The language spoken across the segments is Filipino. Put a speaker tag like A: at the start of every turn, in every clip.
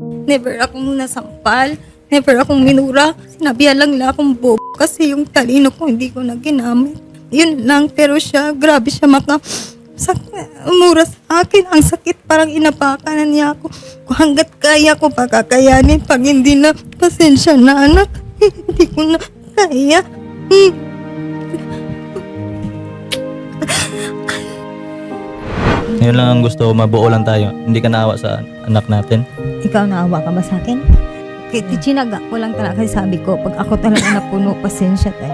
A: Never akong nasampal. Never akong minura. Sinabihan lang nila akong bobo kasi yung talino ko hindi ko na ginamit. Yun lang, pero siya, grabe siya umura sa akin. Ang sakit, parang inapakan na niya ako. Kung hanggat kaya ko pakakayanin, pag hindi na, pasensya na anak. Hindi ko na kaya.
B: Ngayon lang ang gusto, mabuo lang tayo. Hindi ka naawa sa anak natin.
A: Ikaw, naawa ka ba sa akin? Kaya tinaga ko lang talaga kasi sabi ko, pag ako talaga napuno, pasensya tayo.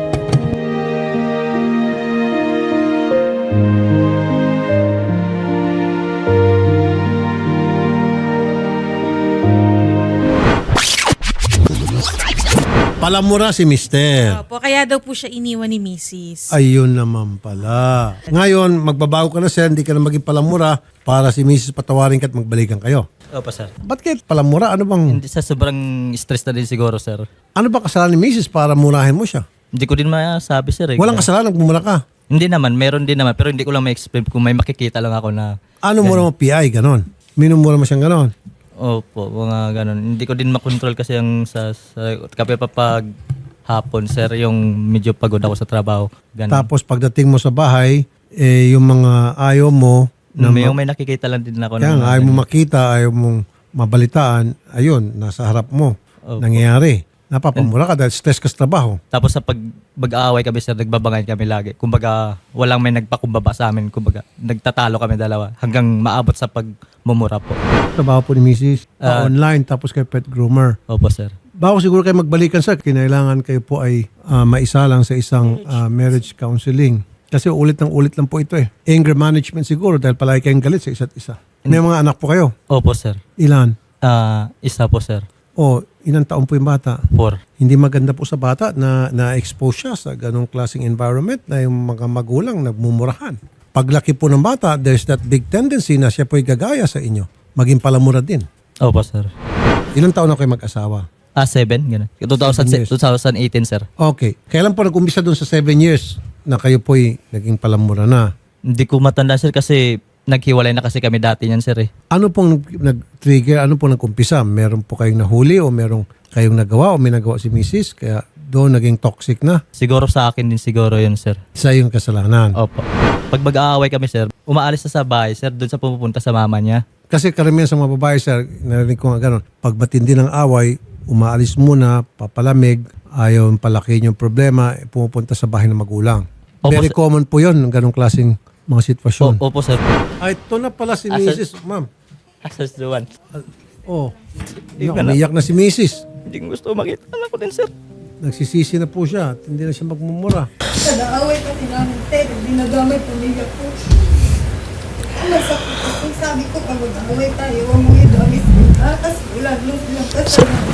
C: Palamura si Mister.
D: Opo, kaya daw po siya iniwan ni Mrs.
C: Ayun naman pala. Ngayon, magbabago ka na sir, hindi ka na maging palamura para si Mrs. patawarin ka at magbalikan kayo.
B: Opo, sir.
C: Ba't kayo palamura? Ano bang,
B: Hindi sa sobrang stress na din siguro, sir.
C: ano ba kasalanan ni Mrs. para murahin mo siya?
B: Hindi ko din masabi, sir.
C: Walang kasalanan, nagmumura ka.
B: Hindi naman, meron din naman. Pero hindi ko lang ma-explain kung may makikita lang ako na...
C: Ano mura mo PI, ganon? Minumura mo siyang ganon?
B: Opo, mga ganun. Hindi ko din makontrol kasi ang sa kape pa pag hapon, sir, yung medyo pagod ako sa trabaho. Ganun.
C: Tapos pagdating mo sa bahay, yung mga ayaw mo,
B: Yung may nakikita lang din ako.
C: kaya nga, ayaw mo makita, ayaw mong mabalitaan, ayun, nasa harap mo,
B: Opo.
C: nangyayari. Napapamura ka dahil stress ka sa trabaho.
B: Tapos sa pag-aaway kami, sir, nagbabangayan kami lagi. Kumbaga, walang may nagpakumbaba sa amin. Kumbaga, nagtatalo kami dalawa hanggang maabot sa pagmumura po.
C: Trabaho po ni Mrs. Online, tapos kay pet groomer.
B: Opo, sir.
C: Bago siguro kayo magbalikan sir, kinailangan kayo po ay maisalang sa isang marriage counseling. Kasi ulit lang po ito eh. Anger management siguro dahil palagi kayong galit sa isa't isa. May mga anak po kayo?
B: Opo, sir.
C: Ilan?
B: Isa po, sir.
C: O ilang taon po yung bata?
B: 4.
C: Hindi maganda po sa bata na na-expose siya sa ganong klaseng environment na yung mga magulang nagmumurahan. Paglaki po ng bata, there's that big tendency na siya po'y gagaya sa inyo. Maging palamura din.
B: Opo, sir.
C: Ilang taon na kayo mag-asawa?
B: 7, gano'n.
C: 7 years.
B: 2018, sir.
C: Okay. Kailan po nag-umpisa doon sa 7 years na kayo po'y naging palamura na?
B: Hindi ko matanda, sir, kasi naghiwalay na kasi kami dati niyan, sir, eh.
C: Ano pong nag-trigger? Ano pong nag-umpisa? Meron po kayong nahuli o meron kayong nagawa o may nagawa si Mrs. Kaya doon naging toxic na?
B: Siguro sa akin din siguro yun, sir.
C: Isa yung kasalanan.
B: Opo. Pag mag-aaway kami, sir, umaalis na sa bahay, sir, doon sa pumupunta sa mama niya.
C: Kasi karamihan sa mga babae, sir, narinig ko nga gano'n. Pag matindi ng away, umaalis muna, papalamig, ayaw palaki yung problema, pumupunta sa bahay ng magulang.
B: Opo,
C: Very
B: sir.
C: common po yun, ng ganong klaseng mga sitwasyon.
B: Opo, sir.
C: Ay, ito na pala si
B: Asa-
C: Mrs. Ma'am.
B: Asas the one.
C: Oh,
B: Hindi ka na-
C: umiyak na si Mrs.
B: Hindi ko gusto makita anak ko din, sir.
C: Nagsisisi na po siya at hindi na siya magmumura.
A: Nag-aaway kasi namin, Ted. Dinagamay pamilya ko. Ang masakit kasi sabi ko, pag mag-aaway tayo, huwag mo idamit sila. Kasi wala nung silang kasalanan.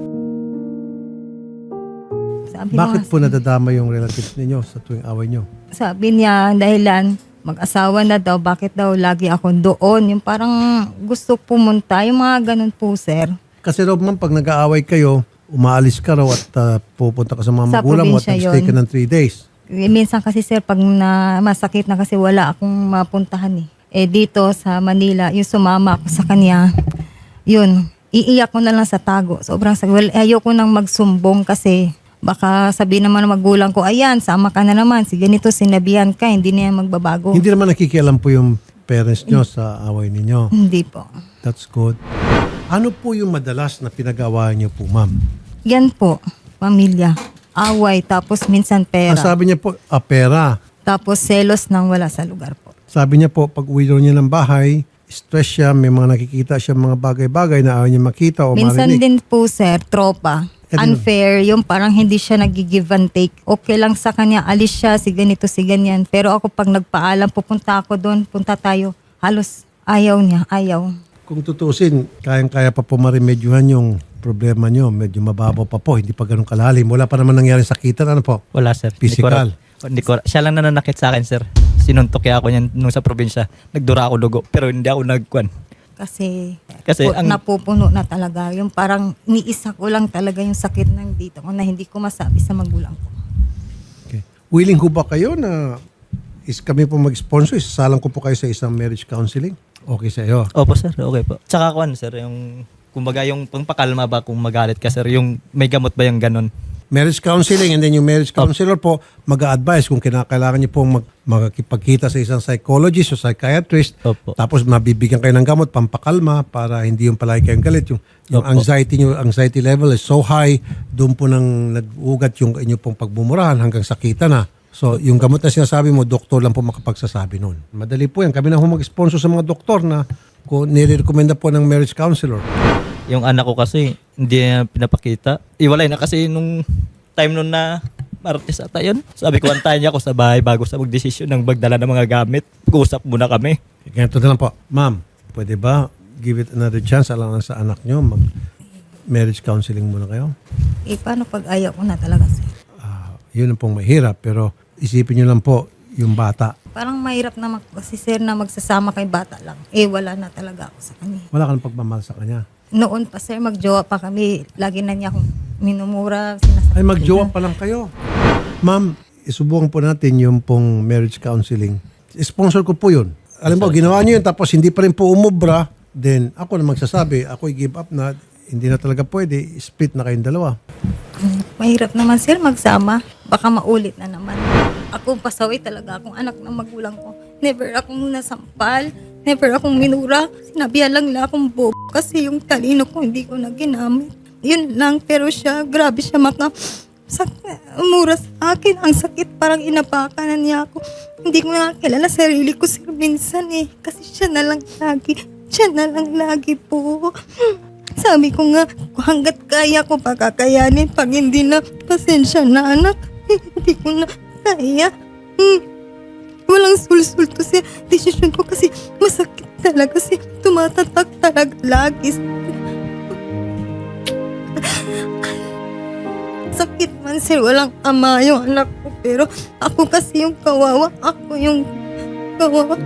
A: Sabi
C: Bakit
A: mo,
C: po nadadama yung relatives ninyo sa tuwing away nyo?
A: sabi niya, dahilan, mag-asawa na daw, bakit daw lagi ako doon? Yung parang gusto pumunta, yung mga ganun po, sir.
C: Kasi Rob, ma'am, pag nag-aaway kayo, umaalis ka raw at pupunta ka sa mga
A: Sa
C: magulang mo at
A: probinsya
C: nag-stay ka
A: yun.
C: ng 3 days.
A: Minsan kasi, sir, pag masakit na kasi wala akong mapuntahan eh. Dito sa Manila, yung sumama ako sa kanya, yun, iiyak ko na lang sa tago. Sobrang sakit. Well, ayoko nang magsumbong kasi baka sabihin naman ng magulang ko, ayan, sama ka na naman. Si ganito, sinabihan ka, hindi na yan magbabago.
C: Hindi naman nakikialam po yung parents nyo sa away ninyo.
A: Hindi po.
C: That's good. Ano po yung madalas na pinag-awayan nyo po, ma'am?
A: Yan po, pamilya. Away, tapos minsan pera.
C: Ang sabi niya po, pera.
A: Tapos selos nang wala sa lugar po.
C: Sabi niya po, pag uwi daw niya ng bahay, stress siya, may mga nakikita siya mga bagay-bagay na ayaw niya makita o
A: Minsan
C: marinig.
A: din po, sir, tropa.
C: Ganun.
A: Unfair, yung parang hindi siya nag-give and take. Okay lang sa kanya, alis siya, si ganito, si ganyan. Pero ako pag nagpaalam, pupunta ako doon, punta tayo. Halos ayaw niya, ayaw.
C: Kung tutusin, kayang-kaya pa po marimedyohan yung problema nyo. Medyo mababaw pa po, hindi pa ganun kalalim. Wala pa naman nangyari sakitan, ano po?
B: Wala, sir.
C: Physical.
B: Siya lang nananakit sa akin, sir. Sinuntok kaya ako niyan nung sa probinsya. Nagdura ako dugo, pero hindi ako nagkwan.
A: Kasi
B: ang
A: napupuno na talaga. Yung parang niisa ko lang talaga yung sakit ng dito ko na hindi ko masabi sa magulang ko.
C: Okay. Willing ho ba kayo na kami po mag-sponsor? Isasalang ko po kayo sa isang marriage counseling? Okay sa iyo.
B: Opo, sir. Okay po. Tsaka sir, yung Kumbaga yung pangpakalma ba kung magalit ka sir, yung may gamot ba yung ganun?
C: Marriage counseling, and then yung marriage counselor po mag-a-advise kung kinakailangan niyo pong magkipagkita sa isang psychologist o psychiatrist.
B: Opo.
C: Tapos mabibigyan kayo ng gamot pampakalma para hindi yung palagi kayong galit. Yung
B: Opo.
C: anxiety level is so high, doon po nang nag-ugat yung inyo pong pagmumurahan hanggang sakita na. So, yung gamot na sinasabi mo, doktor lang po makapagsasabi nun. Madali po yan. Kami na mag-sponsor sa mga doktor na kung nire-recommenda po ng marriage counselor.
B: Yung anak ko kasi, hindi niya pinapakita. Iwalay na kasi nung time nun na Martes ata yun. Sabi ko, antayin niya ako sa bahay bago sa magdesisyon ng magdala ng mga gamit. Pag-usap muna kami.
C: Ganito na lang po. Ma'am, pwede ba give it another chance alang sa anak nyo? Mag-marriage counseling muna kayo?
A: Paano pag ayaw ko na talaga, sir?
C: Yun ang pong mahirap. Pero isipin nyo lang po yung bata.
A: Parang mahirap naman kasi, sir, na magsasama kay bata lang. Wala na talaga ako sa kanya.
C: Wala ka ng pagmamahal sa kanya.
A: Noon pa, sir, magjowa pa kami. Lagi na niya akong minumura. Sinasabi
C: Ay, magjowa pa lang kayo. Ma'am, isubukan po natin yung pong marriage counseling. Sponsor ko po yun. Alam mo, ginawa niyo yun tapos hindi pa rin po umubra, then ako na magsasabi, ako i-give up na, hindi na talaga pwede, split na kayong dalawa.
A: Mahirap naman, sir, magsama. Baka maulit na naman. Ako pasaway talaga akong anak ng magulang ko. Never akong nasampal. Never akong minura. Sinabihan lang nila akong bobo kasi yung talino ko hindi ko na ginamit. Yun lang, pero siya, grabe siya umura sa akin. Ang sakit, parang inapakan na niya ako. Hindi ko nakakilala sarili ko, sir, minsan kasi siya na lang lagi po. Sabi ko nga, hanggat kaya ko pakakayanin, pag hindi na, pasensya na anak. Hindi ko na kaya. Walang sulsul to sa desisyon ko kasi masakit talaga kasi tumatatak talaga lagi. Sakit man, sir, walang ama yung anak ko, pero ako kasi yung kawawa. Ako yung kawawa.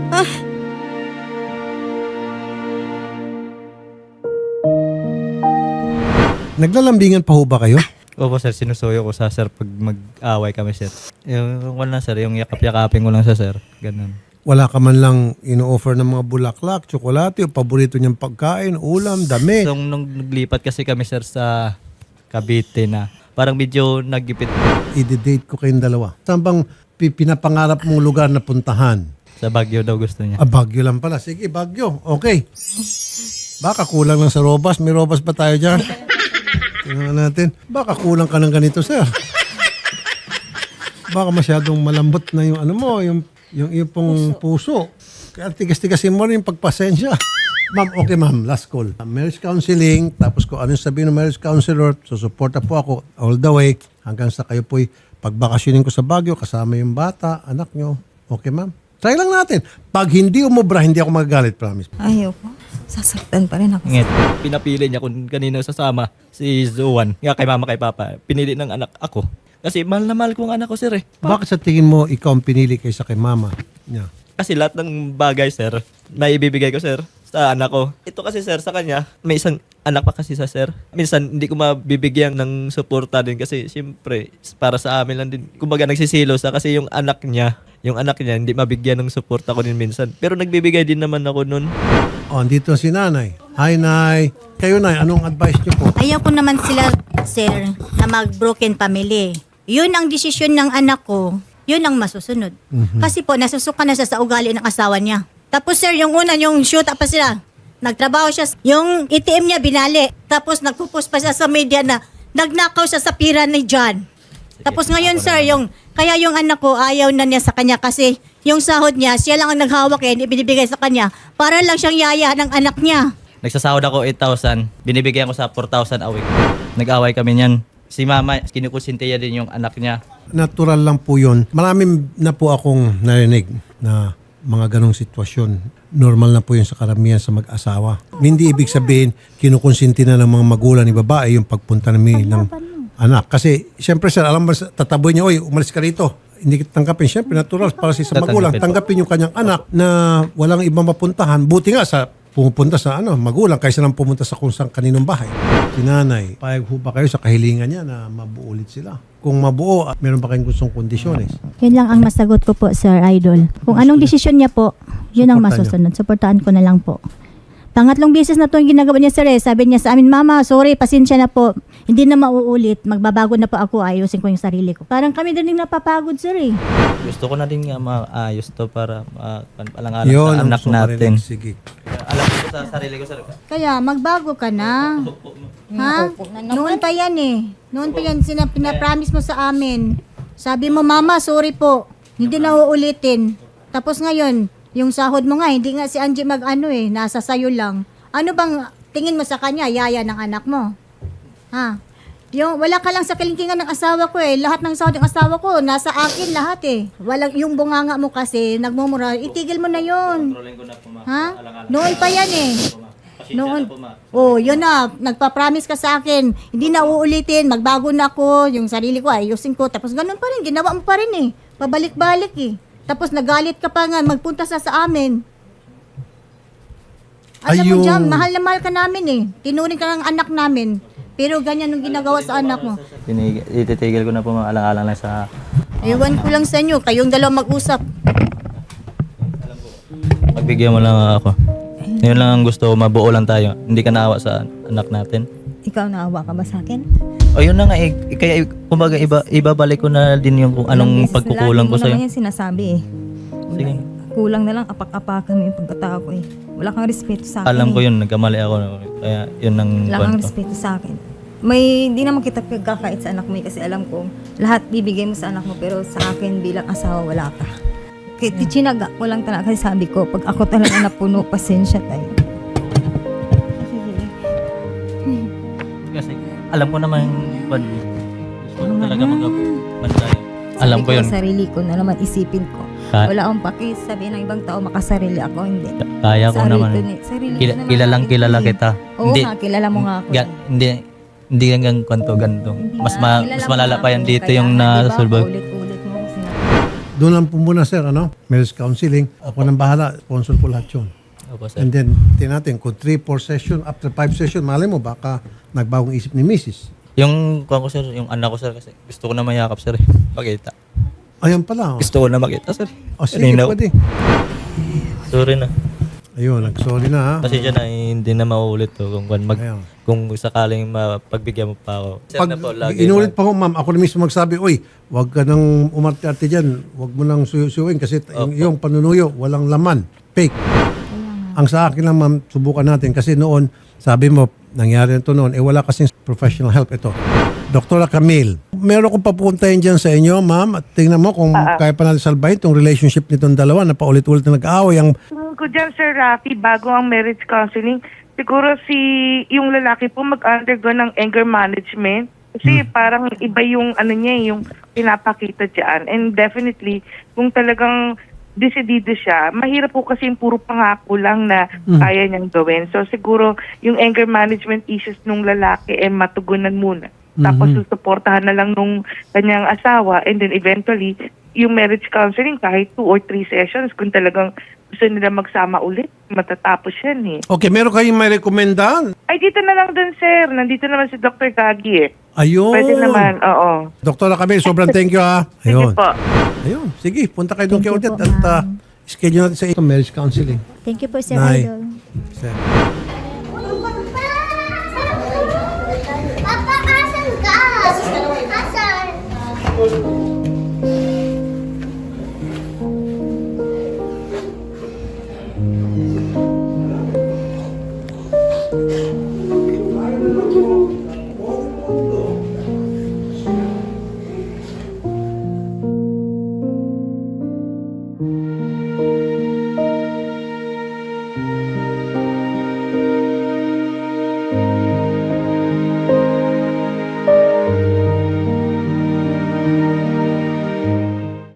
C: Naglalambingan pa ho ba kayo?
B: Opo sir, sinusuyo ko sa sir pag mag-away kami sir. Yung wala sir, yung yakap-yakapin ko lang sa sir. Ganun.
C: Wala ka man lang ino-offer ng mga bulaklak, tsokolate, o paborito niyang pagkain, ulam, dami.
B: So, nung naglipat kasi kami sir sa Cavite na, parang medyo nagipit
C: I-date ko kayong dalawa. Saan bang pinapangarap mong lugar na puntahan?
B: sa Baguio daw gusto niya.
C: Baguio lang pala. Sige, Baguio. Okay. Baka kulang lang sa robas. May robas pa tayo dyan. Tingnan natin. Baka kulang ka ng ganito, sir. Baka masyadong malambot na yung ano mo, yung pong puso. Kaya tigas-tigasin mo rin yung pagpasensya. Ma'am, okay ma'am, last call. Marriage counseling, tapos kung ano yung sabihin ng marriage counselor, susuporta po ako all the way hanggang sa kayo po'y pagbakasyonin ko sa Baguio, kasama yung bata, anak nyo. Okay ma'am? Try lang natin. Pag hindi umubra, hindi ako magagalit, promise.
A: Ayoko. Sasaktan pa rin ako.
B: Ngit. Pinapili niya kung kanino sasama si Zoan. Nga kay mama kay papa. Pinili ng anak ako. Kasi mahal na mahal ko ang anak ko, sir eh.
C: Bakit sa tingin mo ikaw ang pinili kaysa kay mama niya?
B: Kasi lahat ng bagay, sir, na ibibigay ko, sir, sa anak ko. Ito kasi, sir, sa kanya, may isang anak pa kasi sa sir. Minsan, hindi ko mabibigyan ng suporta din kasi, siyempre, para sa amin lang din. Kumbaga, nagsisilo sa kasi yung anak niya, hindi mabigyan ng suporta ko din minsan. Pero nagbibigay din naman ako nun.
C: Oh, dito si nanay. Hi, nay. Kayo, nay, anong advice niyo po?
E: Ayaw ko naman sila, sir, na mag-broken family. Yun ang desisyon ng anak ko, yun ang masusunod. Kasi po, nasusuka na siya sa ugali ng asawa niya. Tapos sir, yung una, yung shoot up pa sila. Nagtrabaho siya, yung ATM niya binali. Tapos nagpo-post pa siya sa media na nagnakaw siya sa pira ni John. Tapos ngayon sir, kaya yung anak ko ayaw na niya sa kanya kasi yung sahod niya, siya lang ang naghawak ibinibigay sa kanya para lang siyang yaya ng anak niya.
B: Nagsasahod ako 8,000. Binibigyan ko sa 4,000 a week. Nag-away kami niyan. Si mama, kinukusintiya din yung anak niya.
C: Natural lang po yun. Marami na po akong narinig na mga ganong sitwasyon. Normal na po yun sa karamihan sa mag-asawa. Hindi ibig sabihin, kinukonsinti na ng mga magulang ni babae yung pagpunta namin ng anak. Kasi, siyempre sir, alam mo, tataboy niya, oy, umalis ka rito. Hindi kita tanggapin. Siyempre, natural para sa magulang. Tanggapin yung kanyang anak na walang ibang mapuntahan. Buti nga sa pumupunta sa magulang kaysa nang pumunta sa kung saan kaninong bahay. Si nanay, payag ho ba kayo sa kahilingan niya na mabuo ulit sila? Kung mabuo, meron ba kayong gustong kondisyones?
E: Yun lang ang masagot ko po, Sir Idol. Kung anong desisyon niya po, yun ang
C: Suportahan
E: masusunod. Suportahan ko na lang po. Pangatlong beses na to yung ginagawa niya, sir. Sabi niya sa amin, Mama, sorry, pasensya na po. Hindi na mauulit. Magbabago na po ako. Ayusin ko yung sarili ko. Parang kami din napapagod, sir eh.
B: Gusto ko na din nga maayos to para alang-alang
C: Yun
B: sa
C: ang
B: anak
C: gusto ko
B: natin.
C: marinig. Sige.
B: Alam ko sa sarili ko, sir.
E: Kaya magbago ka na. Ha? Noon pa yan eh. Noon pa yan pinapromise mo sa amin. Sabi mo, Mama, sorry po. Hindi na uulitin. Tapos ngayon, yung sahod mo nga, hindi nga si Angie nasa sayo lang. Ano bang tingin mo sa kanya, yaya ng anak mo? Ha? Yung, wala ka lang sa kalingkingan ng asawa ko eh. Lahat ng sahod ng asawa ko, nasa akin lahat eh. Walang, yung bunganga mo kasi, nagmumura, itigil mo na yun. Ha? Noon pa yan eh. Noon. Oh, yun na. Nagpa-promise ka sa akin. Hindi na uulitin. Magbago na ako. Yung sarili ko, ayusin ko. Tapos ganun pa rin. Ginawa mo pa rin eh. Pabalik-balik eh. Tapos nagalit ka pa nga. Magpunta sa amin. Alam mo
C: Ayun.
E: dyan, mahal na mahal ka namin eh. Tinuring ka ng anak namin. Pero ganyan yung ginagawa sa anak mo.
B: Ititigil ko na po mga alang-alang lang sa...
E: Ewan ko lang sa inyo. Kayong dalawa mag-usap.
B: Magbigyan mo lang ako. Yun lang ang gusto, mabuo lang tayo. Hindi ka naawa sa anak natin.
A: Ikaw naawa ka ba sa akin?
B: O yun na nga, kaya kumbaga ibabalik ko na din yung kung anong pagkukulang ko sa'yo.
A: Lagi mo naman yan sinasabi eh.
B: Sige.
A: Kulang na lang, apak-apakan mo yung pagkatao ko eh. Wala kang respeto sa akin.
B: Alam ko
A: eh.
B: yun, nagkamali ako. Kaya yun ang
A: Wala kang
B: kwento.
A: respeto sa akin. Hindi naman kita pagkakait sa anak mo eh, kasi alam ko lahat bibigay mo sa anak mo, pero sa akin bilang asawa wala ka. Kaya tinaga ko lang talaga kasi sabi ko, pag ako talaga napuno, pasensya tayo.
B: Kasi alam ko naman ban. Gusto ko talaga mag-bantay. Alam ko yun.
A: Sarili ko na naman isipin ko. Wala akong pakisabi ng ibang tao makasarili ako, hindi.
B: Kaya ko
A: Sarili
B: naman.
A: ko sarili ko naman
B: Kilalang kilala
A: eh.
B: kita.
A: Oo nga, kilala mo nga ako.
B: Hindi hanggang kwento ganito. Mas
A: Kilala mo
B: malala
A: nga
B: pa yan
A: ako,
B: dito
A: kaya
B: yung
A: nga, diba,
B: nasulbag.
A: Ulit-ulit mo akong sinabi.
C: Doon lang po muna, sir, marriage counseling. Ako nang bahala. Sponsor po lahat yun.
B: Opo, sir.
C: And then, natin kung 3-4 session, after 5 session, malay mo, baka nagbagong isip ni Mrs.
B: Yung kuwan ko sir, yung anak ko sir kasi gusto ko na mayakap sir. Pakita.
C: Ayan pala.
B: Gusto ko na makita sir.
C: O sige,
B: Kanina-
C: pwede.
B: Sorry na.
C: Ayun, nag-sorry na ha.
B: Kasi dyan na hindi na mauulit to
C: Ayun.
B: kung sakaling mapagbigyan mo pa ako. Sir
C: Pag
B: na po, lagi
C: inulit pa ko, ma'am, ako na mismo magsabi, uy, wag ka nang umarte-arte dyan. Wag mo nang suyo-suyuin kasi yung panunuyo, walang laman. Fake. Ang sa akin lang, ma'am, subukan natin. Kasi noon, sabi mo, nangyari ito noon, wala kasing professional help ito. Dr. Camille, meron kong papuntahin dyan sa inyo, ma'am. At tingnan mo kung kaya pa natin salbahin itong relationship nitong dalawa na paulit-ulit na nag-aaway. Ang
F: Tingin ko dyan, Sir Rafi, bago ang marriage counseling, siguro yung lalaki po mag-undergo ng anger management. Kasi parang iba yung yung pinapakita dyan. And definitely, kung talagang desidido siya, mahirap po kasi yung puro pangako lang na kaya niyang gawin. So siguro yung anger management issues nung lalaki matugunan muna. Tapos susuportahan na lang nung kanyang asawa, and then eventually yung marriage counseling kahit 2 or 3 sessions kung talagang gusto nila magsama ulit, matatapos yan eh.
C: okay, meron kayong may rekomenda?
F: Ay, dito na lang dun, sir. Nandito naman si Dr. Gagi eh.
C: Ayun.
F: Pwede naman, oo.
C: Dr. Camille, sobrang thank you ha.
F: Sige
C: Ayun.
F: po.
C: Ayun. Sige, punta kayo doon kay
E: Thank you
C: Odette
E: po,
C: at schedule natin sa marriage counseling.
E: Thank you po, Sir
C: Nay.
E: Idol.
C: Sir.